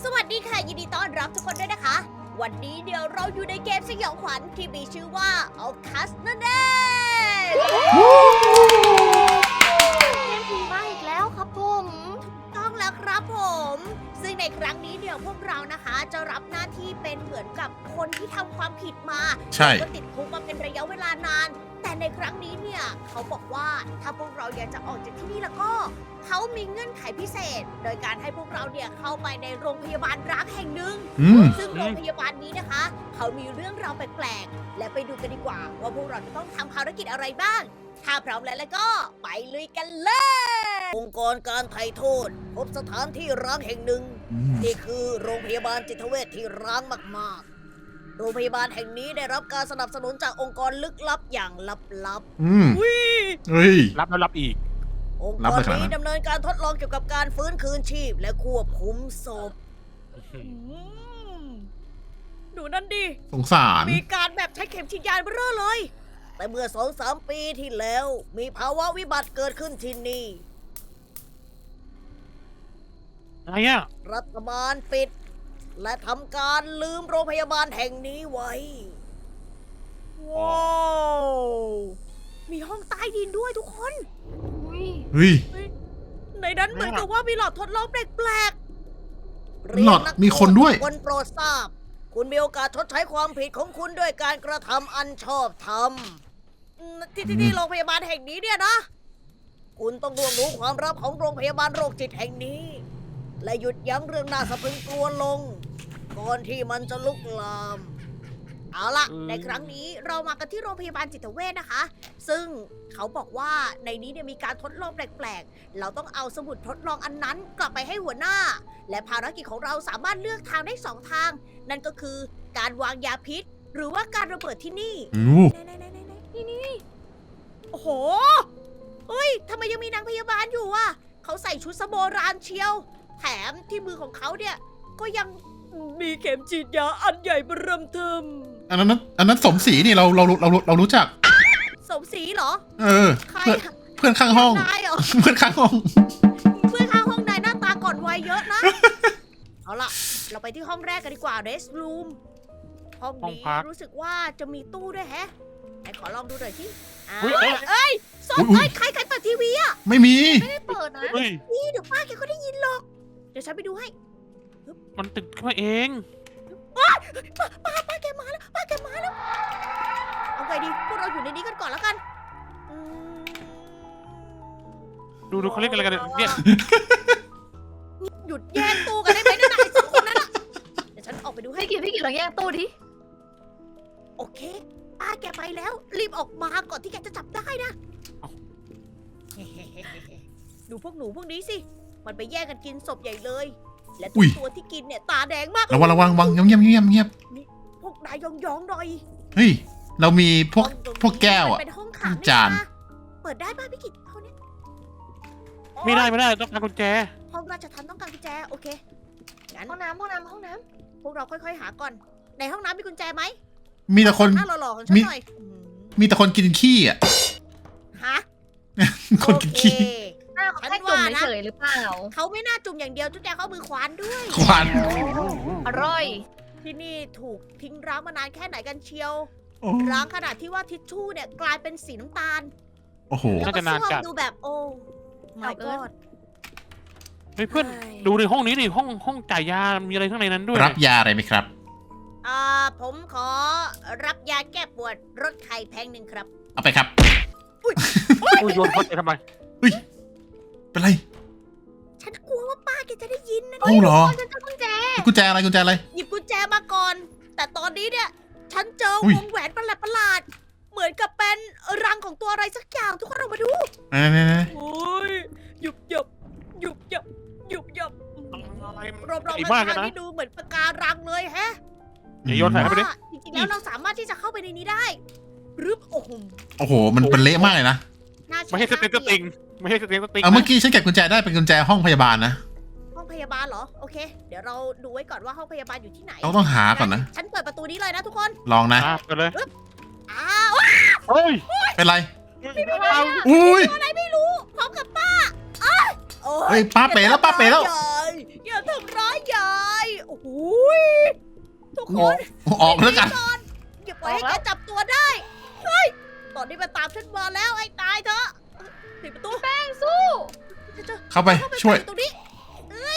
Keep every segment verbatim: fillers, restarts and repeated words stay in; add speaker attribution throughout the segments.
Speaker 1: สวัสดีค่ะยินดีต้อนรับทุกคนด้วยนะคะ วันนี้เดี๋ยวเราอยู่ในเกมสยองขวัญที่มีชื่อว่า Outlast นั่นเองเกมผีมาอีกแล้วครับผมต้องแล้วครับผมซึ่งในครั้งนี้เดี๋ยวพวกเรานะคะจะรับหน้าที่เป็นเหมือนกับคนที่ทำความผิดมา
Speaker 2: ใช่
Speaker 1: ก็ติดคุกมาเป็นระยะเวลานาน แต่ในครั้งนี้เนี่ยเขาบอกว่าถ้าพวกเราอยากจะออกจากที่นี่แล้วก็เขามีเงื่อนไขพิเศษ โดยการให้พวกเราเนี่ยเข้าไปในโรงพยาบาลร้างแห่งหนึ่ง
Speaker 2: อืม
Speaker 1: ซึ่งโรงพยาบาลนี้นะคะ เขามีเรื่องราวแปลกๆ และไปดูกันดีกว่า ว่าพวกเราจะต้องทำภารกิจอะไรบ้าง ถ้าพร้อมแล้วแล้วก็ไปลุยกันเลย องค์กรการไถ่โทษ พบสถานที่ร้างแห่งหนึ่ง
Speaker 2: อืม
Speaker 1: นี่คือโรงพยาบาลจิตเวชที่ร้างมากๆ โรงพยาบาลแห่งนี้ได้รับการสนับสนุนจากองค์กรลึกลับอย่างลับ
Speaker 2: อืม
Speaker 1: ๆวิ
Speaker 2: เฮ้ย
Speaker 3: รับแล้วรับอีก
Speaker 1: องค์
Speaker 2: รับ
Speaker 1: ก
Speaker 2: ไป
Speaker 1: ร
Speaker 2: ขนาดนั้น
Speaker 1: นี้ดำเนินการทดลองเกี่ยวกับการฟื้นคืนชีพ และควบคุมศพดูนั่นดิ
Speaker 2: สงสาร
Speaker 1: มีการแบบใช้เข็มฉีดยาเบ้อเลย แต่เมื่อสองสามปีที่แล้ว มีภาวะวิบัติเกิดขึ้นที่นี่
Speaker 3: อะไรอ่ะ
Speaker 1: รัฐบาลปิด และทำการลืมโรงพยาบาลแห่งนี้ไว้ ว้าว มีห้องใต้ดินด้วยทุกคน
Speaker 2: เฮ้ย
Speaker 1: ในนั้นเหมือนกับว่ามีหลอดทดลองแปลกๆ
Speaker 2: หลอดมีคนด้วย
Speaker 1: คนโปรดทราบ คุณมีโอกาสชดใช้ความผิดของคุณด้วยการกระทำอันชอบธรรมอืมที่ที่ที่โรงพยาบาลแห่งนี้เนี่ยนะ คุณต้องร่วงรู้ความลับของโรงพยาบาลโรคจิตแห่งนี้ และหยุดยั้งเรื่องน่าสะพรึงกลัวลง ก่อนที่มันจะลุกลาม เอาล่ะ
Speaker 3: อืม
Speaker 1: ในครั้งนี้เรามากันที่โรงพยาบาลจิตเวชนะคะ ซึ่งเขาบอกว่าในนี้เนี่ยมีการทดลองแปลกๆ เราต้องเอาสมุดทดลองอันนั้นกลับไปให้หัวหน้า และภารกิจของเราสามารถเลือกทางได้สองทาง นั่นก็คือการวางยาพิษ หรือว่าการระเบิดที่นี่
Speaker 2: อู้
Speaker 1: ไหนๆๆๆๆนี่นี่โอ้โหเฮ้ยทำไมยังมีนางพยาบาลอยู่อ่ะเขาใส่ชุดสโบราณเชียว แถมที่มือของเขาเนี่ย ก็ยังมีเข็มฉีดยาอันใหญ่เบิ่มเทิม
Speaker 2: อันนั้นอันนั้นสมศรีนี่เราเราเราเรารู้จัก
Speaker 1: สมศรีเหรอ
Speaker 2: เออ
Speaker 1: ใคร
Speaker 2: เพื่อน
Speaker 1: อะ
Speaker 2: เพื่อนข้างห้อง
Speaker 1: นายเหรอ
Speaker 2: เพื่อนข้างห้อง
Speaker 1: เพื่อนข้างห้องนายหน้าตาก่อนวัยเยอะนะ เอาล่ะ เราไปที่ห้องแรกกันดีกว่า Rest Room ห้อง
Speaker 3: ห้อง
Speaker 1: นี้
Speaker 3: พัก
Speaker 1: รู้สึกว่าจะมีตู้ด้วยแฮะไหนขอลองดูหน่อยสิอ้าว
Speaker 3: อุ๊ยเอ้ย
Speaker 1: เอ้ยสด
Speaker 2: อุ๊ย
Speaker 1: เอ้ยใครใครเปิดทีวีอะ
Speaker 2: ไม่มี
Speaker 1: ไม่ได้เปิดนะ
Speaker 3: เฮ้ย
Speaker 1: นี่เดี๋ยวป้าแกก็ได้ยินหรอก เดี๋ยวฉันไปดูให้
Speaker 3: มันติดขึ้นมาเอง
Speaker 1: ป้าป้าป้าแกมาแล้ว ป้าแกมาแล้ว เอาไงดี พวกเราอยู่ในนี้กันก่อนแล้วกันอืม
Speaker 3: ดูดูเขาเล่นกันอะไรกันเนี่ย
Speaker 1: หยุดแย่งตู้กันได้ไหมนั่นน่ะไอ้สองคนนั้นน่ะ เดี๋ยวฉันออกไปดูให้
Speaker 4: พี่กิจพี่กิจลองแย่งตู้ดิ
Speaker 1: โอเค ป้าแกไปแล้ว รีบออกมาก่อนที่แกจะจับได้นะ ดูพวกหนูพวกนี้สิ มันไปแย่งกันกินศพใหญ่เลย และ
Speaker 2: อุ๊
Speaker 1: ทุก
Speaker 2: ย
Speaker 1: ตัวที่กินเนี่ยตาแดงมาก
Speaker 2: ระวังระวังระวังเงียบเงียบเงียบเงียบ
Speaker 1: พวกนายยองยองๆหน่อย
Speaker 2: เฮ้ย เรามีพวก
Speaker 1: ห้องตรงนี้
Speaker 2: พวกแก้ว
Speaker 1: มั
Speaker 2: อ่ะ
Speaker 1: นเป็นห้องขัง
Speaker 2: จาน
Speaker 1: นี่ะเปิดได้ป่ะพี่กิตห้องเนี้ย
Speaker 3: ไม่ได้ไม่ได้ต้องการกุญแจ
Speaker 1: ห้องราชทัณฑ์ต้องการกุญแจ โอเค งั้น
Speaker 4: ห้องน้ำห้องน้ำห้องน้
Speaker 1: พวกเราค่อยๆหาก่อน ในห้องน้ำมีกุญแจไหม
Speaker 2: มีแต่คน
Speaker 1: หน้าหล่อๆของฉัน
Speaker 2: มี
Speaker 1: หน่อยอืม
Speaker 2: มีแต่คนกินขี้อ่ะ
Speaker 1: ฮะ
Speaker 2: คนกินขี้
Speaker 1: โอเค
Speaker 4: ำหน้าเขา
Speaker 1: ฉัน
Speaker 4: แค่จุ่ม
Speaker 1: ว่านะ
Speaker 4: เฉยๆหรือเปล่า
Speaker 1: เขาไม่น่าจุ่มอย่างเดียวจุ๊แจเขาเอามือควานด้วย
Speaker 2: ควัน
Speaker 4: อร่อย
Speaker 1: ที่นี่ถูกทิ้งร้างมานานแค่ไหนกันเชียว
Speaker 2: โอ้
Speaker 1: ร้างขนาดที่ว่าทิชชู่เนี่ยกลายเป็นสีน้ำตาล
Speaker 2: โอ้โห
Speaker 1: แล้ว
Speaker 3: น่า
Speaker 1: ก็
Speaker 3: จะนาน
Speaker 1: ส้วม
Speaker 3: จัด
Speaker 1: ดูแบบโอ้ my
Speaker 4: เอาเกิน
Speaker 1: god
Speaker 3: เฮ้ยเพื่อน
Speaker 1: ใช่
Speaker 3: ดูในห้องนี้ดิห้องห้องจ่ายยา มีอะไรข้างในนั้นด้วย
Speaker 2: รับยาอะไรไหมครับ
Speaker 1: อ่าผมขอรับยาแก้ปวดรถไข่แพงหนึ่งครับ
Speaker 2: เอาไปครับ
Speaker 3: อุ้ยโยนคนไปทำไม
Speaker 2: เป็นไร
Speaker 1: ฉันกลัวว่าป้าแกจะได้ยินนะ
Speaker 2: เอ้าเหรอ
Speaker 1: ฉันเจอกุญแจ
Speaker 2: กุญแจอะไรกุญแจอะไร
Speaker 1: หยิบกุญแจมาก่อน แต่ตอนนี้เนี่ย ฉันเจออย วงแหวนประหลาดประหลาดๆเหมือนกับเป็นรังของตัวอะไรสักอย่างทุกคนออกมาดู
Speaker 2: ไหนไหนไหน
Speaker 1: โอ้ยหยุบหยับหยุบหยับหยุบหยับ
Speaker 3: อะไรมัน
Speaker 1: รอบๆ
Speaker 3: ใหญ่
Speaker 1: ข้าง
Speaker 3: มากเลย
Speaker 1: ทาง
Speaker 3: นะ
Speaker 1: นี่ดูเหมือนปะการังเลยแฮะ
Speaker 3: เดี๋ยวโยนใส่ เข้าไปดิ
Speaker 1: ว่าจริงๆแล้วเราสามารถที่จะเข้าไปในนี้ได้รึบโอ้โห
Speaker 2: โอ้โห มันเป็นเละมากเลยนะ
Speaker 1: น่า
Speaker 3: ไม่ใช่สเต็งสติงไม่ใช่สเต็งสติง
Speaker 2: เอาเมื่อกี้ฉันเก็บกุญแจได้เป็นกุญแจห้องพยาบาลนะ
Speaker 1: ห้องพยาบาลเหรอ โอเค เดี๋ยวเราดูไว้ก่อนว่าห้องพยาบาลอยู่ที่ไหน
Speaker 2: เราต้องหาก่อนนะ
Speaker 1: ฉันเปิดประตูนี้เลยนะทุกคน
Speaker 2: ลองนะ
Speaker 3: อ่ะไปเลย
Speaker 1: อ้าว
Speaker 3: เฮ้ย
Speaker 2: เป็นไร
Speaker 3: เอา
Speaker 2: อุ้ย
Speaker 1: อะไรไม่รู้พร้อมกับป้าอ้ายโอ้
Speaker 2: เฮ้ยป้าเป๋แล้วป้าเป๋แล้ว
Speaker 1: อย่าทำร้ายยายอย่าทำร้ายยายทุกคน
Speaker 2: ออกแล้วกัน
Speaker 1: ก่อนอย่าปล่อยให้แกจับตัวได้เฮ้ยตอนนี้มันตามฉันมาแล้วไอ้ตายเถอะปิดประตู
Speaker 4: แป้งสู้
Speaker 1: จะ
Speaker 2: เข้าไป
Speaker 1: เข้าไป
Speaker 2: ช่วย
Speaker 1: ตรงนี้เอ้ย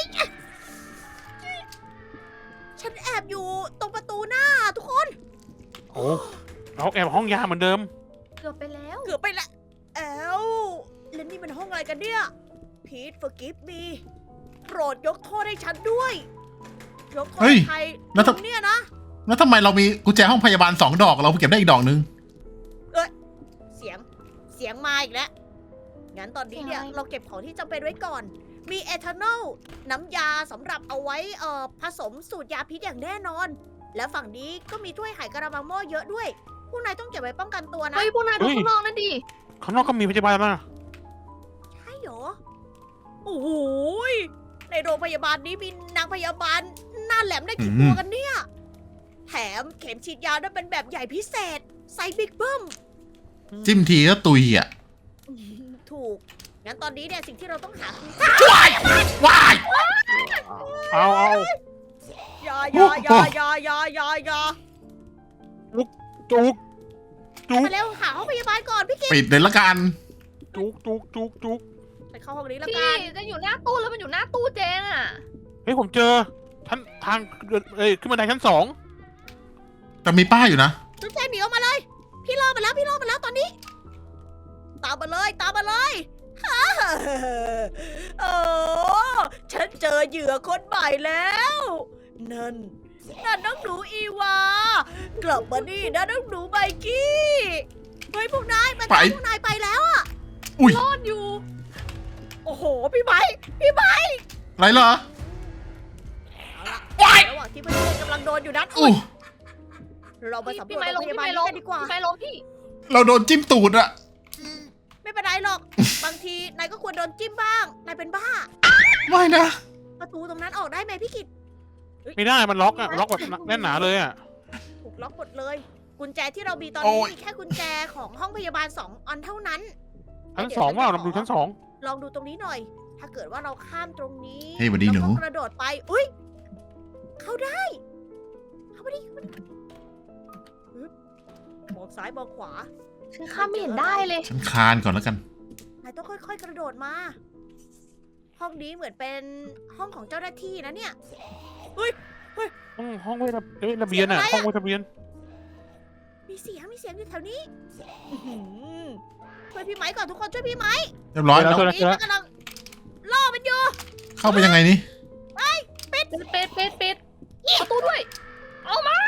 Speaker 1: ฉันแอบอยู่ตรงประตูหน้าทุกคน
Speaker 3: โอ้เราแอบห้องยาเหมือนเดิม
Speaker 4: เกือบไปแล้ว
Speaker 1: เกือบไปละแอลแล้วนี่มันห้องอะไรกันเนี่ยพีท forgive me โปรดยกโทษให้ฉันด้วยยกโทษ
Speaker 2: เฮ้ย
Speaker 1: ใคร
Speaker 2: แล้ว
Speaker 1: ต
Speaker 2: ถ้า
Speaker 1: รงเนี้ยนะ
Speaker 2: แล้วทำไมเรามีกุญแจห้องพยาบาลสองดอกเราเก็บได้อีกดอกนึง
Speaker 1: เสียงเสียงมาอีกแล้วงั้นตอนนี้เนี่ย
Speaker 4: เสียงอะไร
Speaker 1: เราเก็บของที่จำเป็นไว้ก่อน มีเอทานอลน้ำยาสำหรับเอาไว้เอ่อผสมสูตรยาพิษอย่างแน่นอน และฝั่งนี้ก็มีถ้วยไหกระมังหม้อเยอะด้วยพวกนายต้องเก็บไว้ป้องกันตัวนะ
Speaker 4: เฮ้ยพวกนายดู
Speaker 3: เฮ้ย
Speaker 4: ข้างนอกนั่นดิ
Speaker 3: ข้างนอกก็มีพยาบาลนะ
Speaker 1: ใช่เหรอโอ้โหยในโรงพยาบาลนี้มีนางพยาบาลหน้าแหลมได้กี่
Speaker 2: อืม
Speaker 1: ตัวกันเนี่ยแถมเข็มฉีดยานั้นเป็นแบบใหญ่พิเศษไซส์บิ๊กเบิ้ม
Speaker 2: จิ้มทีก็ตุยอ่ะ
Speaker 1: อืมถูก งั้นตอนนี้เนี่ยสิ่งที่เราต้องหาคือ
Speaker 2: ว้ายว้าย
Speaker 3: เอาเอา
Speaker 1: ยายายายายายายา
Speaker 3: จุกจุก
Speaker 1: มาเร็วหาห้องพยาบาลก่อนพี่กิ๊ก
Speaker 2: ปิดเลยละกัน
Speaker 3: จุกจุกจุกจุก
Speaker 1: ไปเข้าห้องนี้แล้ว
Speaker 4: พี่
Speaker 1: กัน
Speaker 4: จะอยู่หน้าตู้แล้วมันอยู่หน้าตู้เจงอ่ะ
Speaker 3: เฮ้ยผมเจอท่านทางเอ้ยขึ้นบันไดชั้นสอง
Speaker 2: แต่มีป้ายอยู่นะ
Speaker 1: จุ๊บแจงหนีออกมาเลย พี่รอมาแล้วพี่รอมาแล้วตอนนี้ ตามมาเลยตามมาเลยฮ่าโอ้ฉันเจอเหยื่อคนใหม่แล้ว นั่นนั่นน้องหนูอีวากลับมานี่นะน้องหนูไบกี้เฮ้ยพวกนายมา
Speaker 2: ไป
Speaker 1: พวกนายไปแล้วอะ
Speaker 2: อุ้ย
Speaker 4: รอดอยู่
Speaker 1: โอ้โหพี่ไม้พี่ไม้
Speaker 2: อะไรเหรอ
Speaker 1: เอาละ
Speaker 2: ว้าย
Speaker 1: ระหว่างที่เพื่อนๆกำลังโดนอยู่นั้น
Speaker 2: อู้
Speaker 1: เรามาสำร
Speaker 4: พี่
Speaker 1: วจ
Speaker 4: ไม้
Speaker 1: โร
Speaker 4: ล
Speaker 1: ง
Speaker 4: ง
Speaker 1: พ
Speaker 4: พี่
Speaker 1: ยาบาล
Speaker 4: ไม้
Speaker 1: นี้
Speaker 4: ลง
Speaker 1: กันดีกว่า
Speaker 4: พี่ไม้ลงพี่
Speaker 2: เราโดนจิ้มตูดอะ
Speaker 1: ไม่เป็นไรหรอก บางทีนายก็ควรโดนจิ้มบ้าง นายเป็นบ้า
Speaker 2: ไม่นะ
Speaker 1: ประตูตรงนั้นออกได้ไหมพี่กิต
Speaker 3: ไม่ได้มันล็อกอะล็อกแบบแน่นหนาเลยอะ
Speaker 1: ถูกล็อกหมดเลย กุญแจที่เรามีตอน
Speaker 2: โอ้
Speaker 1: นี้
Speaker 2: ย
Speaker 1: มีแค่กุญแจของห้องพยาบาลสองอันเท่านั้น
Speaker 3: ชั้นสองว่าเราดูชั้นสอง
Speaker 1: ลองดูตรงนี้หน่อย ถ้าเกิดว่าเราข้ามตรงนี้
Speaker 2: เฮ้ยสวัสดีหนู
Speaker 1: เราก็กระโดดไป อุ้ย เข้าได้ เข้าไปดิเข้าไปดิอึ๊บมองซ้ายมองขวา
Speaker 4: ฉันข้ามไม่เห็นได้เลย
Speaker 2: ฉันคลานก่อนแล้วกัน
Speaker 1: นายต้องค่อยๆ กระโดดมา ห้องนี้เหมือนเป็นห้องของเจ้าหน้าที่นะเนี่ย
Speaker 3: ห้องห้องไว้ระเอ้ยระเบียงอะห้องไว้ระเบียง
Speaker 1: มีเสียง มีเสียงอยู่แถวนี้อื้อหือช่วยพี่ไม้ก่อนทุกคนช่วยพี่ไม้
Speaker 2: เรียบร้อย
Speaker 3: เจอ
Speaker 2: แล้ว
Speaker 3: แล้ว
Speaker 1: นี่มันกำลังล่อมันอยู่
Speaker 2: เข้าไปยังไงนี่
Speaker 4: ปิดปิดปิดปิดประตูด้วย เอามา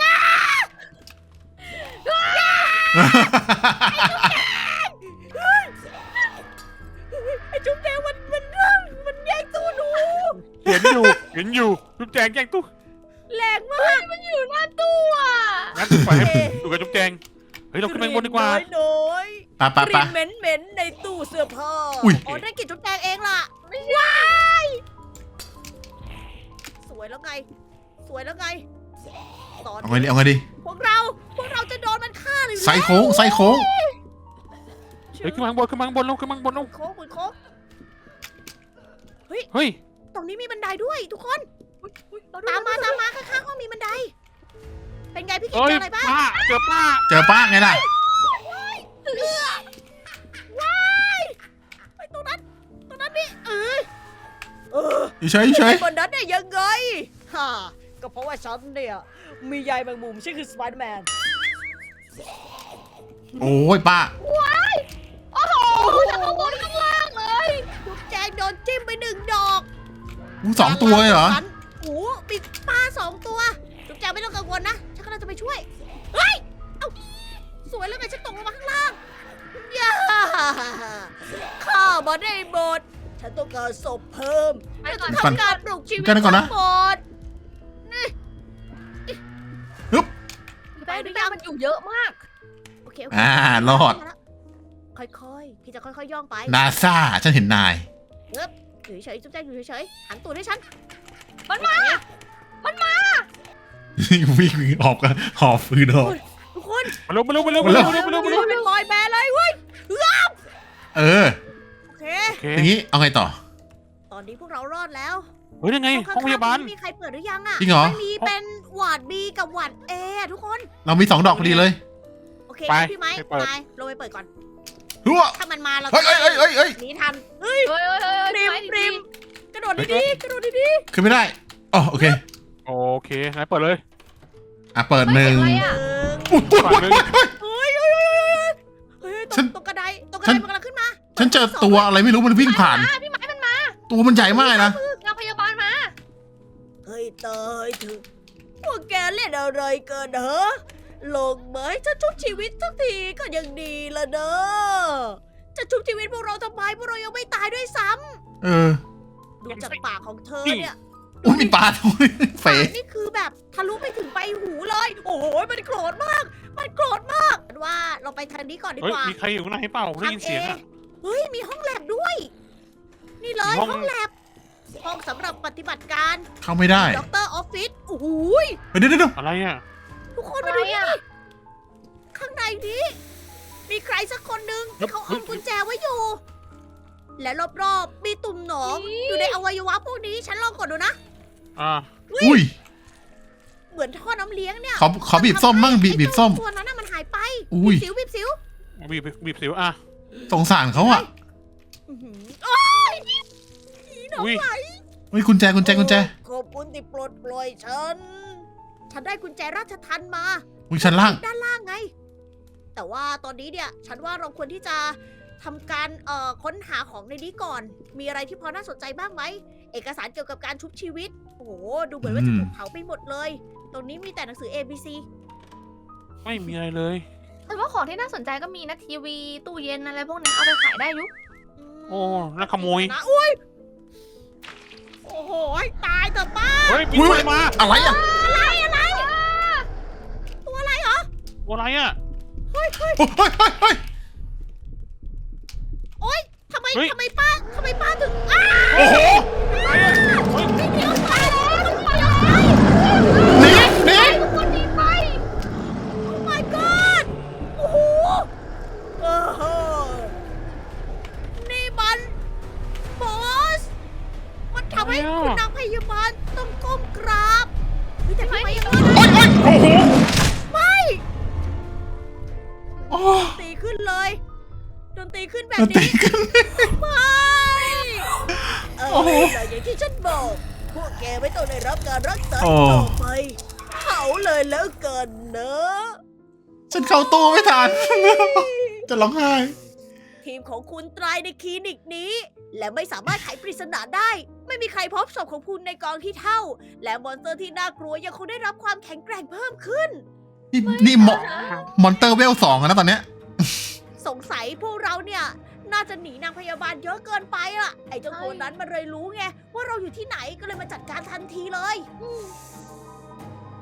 Speaker 1: ไอ้จุ๊บแจงมันมันเรื่องมันแย่งตู้หนู
Speaker 3: เห็นอยู่เห็นอยู่จุ๊บแจงแจ้งตู้
Speaker 1: แรงมาก
Speaker 4: มันอยู่หน้าตู้อ่ะ
Speaker 3: งั้นปล่อยให้ดูกับจุ๊บแจงเฮ้ยเราขึ้นไปบนดีกว่า
Speaker 1: น้อย
Speaker 2: ไปไป
Speaker 1: ๆก
Speaker 2: ไป
Speaker 1: ลิ่นเหม็นเหม็นๆในตู้เสื้อผ้า
Speaker 2: อุ๊ย
Speaker 1: อ๋อนั่นกลิ่นจุ๊บแจงเองล่ะไม่ใช่สวยแล้วไง สวยแล้วไงตอน
Speaker 2: เอาไงดี
Speaker 1: นี้
Speaker 2: เอาไงดี
Speaker 1: พวกเราพวกเราจะโดนมันฆ่าหรือ
Speaker 2: ไซโค้งไซโค้ง
Speaker 3: เฮ้ยขึ้นมาข้างบนขึ้นมาข้างบนลงขึ้นมาข้างบนลง
Speaker 1: โค้งโค้ง
Speaker 3: เฮ้ย
Speaker 1: ตรงนี้มีบันไดด้วยทุกคน
Speaker 4: อุ๊ยอุ๊ยเร
Speaker 1: ตามมาตามมาข้างๆห้องมีบันได เป็นไงพี่กิ๊ก
Speaker 3: เฮ้ย
Speaker 1: เจออะไรบ้าง
Speaker 3: ป้าเจอป้า
Speaker 2: เจอป้าไงล่ะ
Speaker 1: ว้ายไปตรงนั้น ตรงนั้นนี่เออเออ
Speaker 2: อยู่เฉยอยู่เฉย
Speaker 1: บนนั้นเนี่ยยังไงฮ่าก็เพราะว่าฉันเนี่ย มีใยแมงมุมชื่อคือสไปเดอร์แมน
Speaker 2: โอ้ยป้า
Speaker 4: โอ้โหจากข้างบนข้างล่างเลย
Speaker 1: ทุกแจงโดนจิ้มไปหนึ่งดอก
Speaker 2: อู้สองตัวเลยเหรอ
Speaker 1: โอ้โหมีปลาสองตัวทุกแจงไม่ต้องกังวลนะ ฉันกำลังจะไปช่วย เฮ้ย เอ้า สวยแล้วไงฉันตกลงมาข้างล่างย่าข้ามาได้หมด ฉันต้องการศพเพิ่ม
Speaker 4: ไปก่อน
Speaker 1: ทำการปลูกชีวิต
Speaker 2: กันก่อนนะ
Speaker 1: ทั้งหมด
Speaker 4: ไปดูยามันอยู่เยอะมาก
Speaker 1: โอเคโอเค
Speaker 2: อ่ารอด
Speaker 1: ค่อยๆ พี่จะค่อยๆ ย่องไป
Speaker 2: นาซาฉันเห็นนาย
Speaker 1: อยู่เฉยๆจุ๊บแจงอยู่เฉยๆ หันตูดให้ฉัน
Speaker 4: มันมา
Speaker 2: วิ่งออกกันหอบฟืนออก
Speaker 1: ทุกคน
Speaker 3: มาเร็วมาเร็วมาเร็วมาเร็วมาเร็วมาเร็วมาเร็ว
Speaker 1: เป็นบอยแบนด์เลยเว้ย
Speaker 2: เออ
Speaker 1: โอเค
Speaker 3: โอเค
Speaker 2: อย่างนี้เอาไงต่อ
Speaker 1: ตอนนี้พวกเรารอดแล้ว
Speaker 3: เฮ้ยยังไงห้องพยาบาล
Speaker 1: ข้งๆมีใครเปิดหรือยังอ่ะ
Speaker 2: จริงเหรอ
Speaker 1: ไม่มีเป็นหวาดบีกับหวาดเออะทุกคน
Speaker 2: เรามีสองดอกพอดีเลย
Speaker 1: โอเค
Speaker 3: ไป
Speaker 1: พี่ไม้
Speaker 3: ไปเปิด
Speaker 1: นายลงไปเปิดก่อน
Speaker 2: หัว
Speaker 1: ถ้ามันมาเรา
Speaker 2: เฮ้ยเฮ้ยเฮ้ยเฮ้ยเฮ้ย
Speaker 1: หนีทันเฮ้ย
Speaker 4: เฮ้ยเฮ้ยเฮ้ย
Speaker 1: ปริม
Speaker 4: ไม้
Speaker 1: ปริม
Speaker 4: ดี
Speaker 1: กระโดดดีๆกระโดดดี
Speaker 2: ขึ้นไม่ได้อ๋อโอเค
Speaker 3: โอเคงั้นเปิดเลย
Speaker 2: อ่ะเปิด
Speaker 4: ๆ
Speaker 2: หนึ่ง
Speaker 4: เฮ้ย
Speaker 1: ๆ
Speaker 4: อะไร
Speaker 1: หนึ่
Speaker 4: อะ
Speaker 1: ง
Speaker 2: อุ้ยอุ้ยอุ้ยอุ้ย
Speaker 1: เฮ้ยเฮ้ยเฮ้ยเฮ้ย
Speaker 2: ฉั
Speaker 1: ต
Speaker 2: น
Speaker 1: กตกกระไดตกกระ
Speaker 2: ฉั
Speaker 1: ได
Speaker 2: น
Speaker 1: มันกำลังขึ้นมา
Speaker 2: ฉันเจอตัวอะไรไม่รู้มันวิ่งผ่าน
Speaker 4: มาพี่ไม้มันมา
Speaker 2: ตัวมันใหญ่มากนะ
Speaker 4: นางพยาบาลมา
Speaker 1: เฮ้ยเตยเถอะพวกแกเล่นอะไรเกินเหรอลงไหมจะชุบชีวิตสักทีก็ยังดีละเด้อจะชุบชีวิตพวกเราทำไมพวกเรายังไม่ตายด้วยซ้
Speaker 2: เออ
Speaker 1: ำดูจากปากของเธอเนี่ย
Speaker 2: อุ้ยมีปลาด้วยเฟ
Speaker 1: ปากนี่คือแบบทะลุไปถึงใบหูเลย โอ้โหมันโกรธมาก มันโกรธมากว่าเราไปทางนี้ก่อนดี
Speaker 3: เฮ้ย
Speaker 1: กว่า
Speaker 3: มีใครอยู่ข้างในเปล่าได้ยินเสียงอะ
Speaker 1: เฮ้ยมีห้องแลบด้วย นี่เลย
Speaker 3: ห้อง
Speaker 1: ห้องแลบห้องสำหรับปฏิบัติการ
Speaker 2: เข้าไม่ได้
Speaker 1: ด็อกเตอร์ออฟฟิศโอ้โหย
Speaker 2: เฮ้ยเดี๋ยวเดี๋ยวเดี๋ยว
Speaker 3: อะไรอะ
Speaker 1: ทุกคนมาดูนี่ดิข้างในนี้ มีใครสักคนหนึ่งที่เขาเอากุญแจไว้อยู่ และรอบๆมีตุ่มหนองอยู่ในอวัยวะพวกนี้ ฉันลองกดดูนะ
Speaker 3: อ่า
Speaker 2: อุ้ย
Speaker 1: เหมือนท่อน้ำเลี้ยงเนี่ย
Speaker 2: ขอขอบีบส้มมั่งบีบบีบส้ม
Speaker 1: ตัวนั้นน่ะมันหายไป
Speaker 2: อุ้ย
Speaker 1: บีบสิวบีบสิว
Speaker 3: บีบบีบสิวอ่ะ
Speaker 2: สงสารเขาอ่ะ
Speaker 1: อื้อหือโอ๊ยผีหนอง
Speaker 3: อุ้ย
Speaker 1: ไหล
Speaker 2: เฮ้ยกุญแจกุญแจกุญแจ
Speaker 1: ขอบคุณที่ปลดปล่อยฉัน ฉันได้กุญแจราชทัณฑ์มา
Speaker 2: อุ้ยชั้นล่าง
Speaker 1: ด้านล่างไง แต่ว่าตอนนี้เนี่ย ฉันว่าเราควรที่จะทำการเอ่อค้นหาของในนี้ก่อน มีอะไรที่พอน่าสนใจบ้างไหม เอกสารเกี่ยวกับการชุบชีวิต โอ้โห ดูเหมือนว่าจะถูกเผาไปหมดเลย ตรงนี้มีแต่หนังสือ A B C
Speaker 3: ไม่มีอะไรเลย
Speaker 4: แต่ว่าของที่น่าสนใจก็มีนะทีวีตู้เย็นอะไรพวกนั้นเอาไปขายได้อยุ
Speaker 3: โอ้นักขโมย
Speaker 1: นะอุ้ย โอ้โห ตายเถอะป้า
Speaker 3: เฮ้ยมี
Speaker 2: อุ้ย
Speaker 3: อะไรมา
Speaker 2: อะไรอ่ะ
Speaker 1: อะไรอะไร ตัวอะไรเหรอ
Speaker 3: ตัวอะไรอะ
Speaker 1: เฮ้ยเฮ้ย
Speaker 2: โอ้ยเฮ้ยเฮ้ยเฮ้ย
Speaker 1: โอ๊ยทำไม
Speaker 3: เฮ้ย
Speaker 1: ทำไมป้าทำไมป้าถึงอ้า
Speaker 2: โอ้โห
Speaker 3: อะไรอะเฮ้ย
Speaker 1: ไม่เดียวไปแล้วไปแล้ว
Speaker 2: หนีหนี
Speaker 1: ทุกคนหนีไป โอ้ my god โอ้โหเออนี่มันบอส มันทำให้คุณนางพยาบาลต้องก้มกราบเฮ้ยแต่ทำไมยังไง
Speaker 2: โอ้ยโอ้ยโอ้โห
Speaker 1: ไม่
Speaker 2: โอ้
Speaker 1: ดนตรีขึ้นเลยดนตรีขึ้นแบบ
Speaker 2: ดนตรี
Speaker 1: นี้
Speaker 2: ขึ้น
Speaker 1: ไม่เออ
Speaker 2: โอ้โห
Speaker 1: แต่อย่างที่ฉันบอก พวกแกไม่ต้องได้รับการรักษา
Speaker 2: โอ้
Speaker 1: ต่อไปเผาเลยแล้วกันเนอะ
Speaker 2: ฉันเข้าตู้ไม่ทัน จะร้องไห้
Speaker 1: ทีมของคุณตายในคลินิกนี้ และไม่สามารถไขปริศนาได้ ไม่มีใครพบศพของคุณในกองที่เท่า และมอนสเตอร์ที่น่ากลัวยังคงได้รับความแข็งแกร่งเพิ่มขึ้น
Speaker 2: นี่นี่มอมอนเตอร์เวลสองแล้วนะตอนเนี้ย
Speaker 1: สงสัยพวกเราเนี่ย น่าจะหนีนางพยาบาลเยอะเกินไปอะไอ้เจ้าตัวนั้นมันเลยรู้ไงว่าเราอยู่ที่ไหนก็เลยมาจัดการทันทีเลยอืม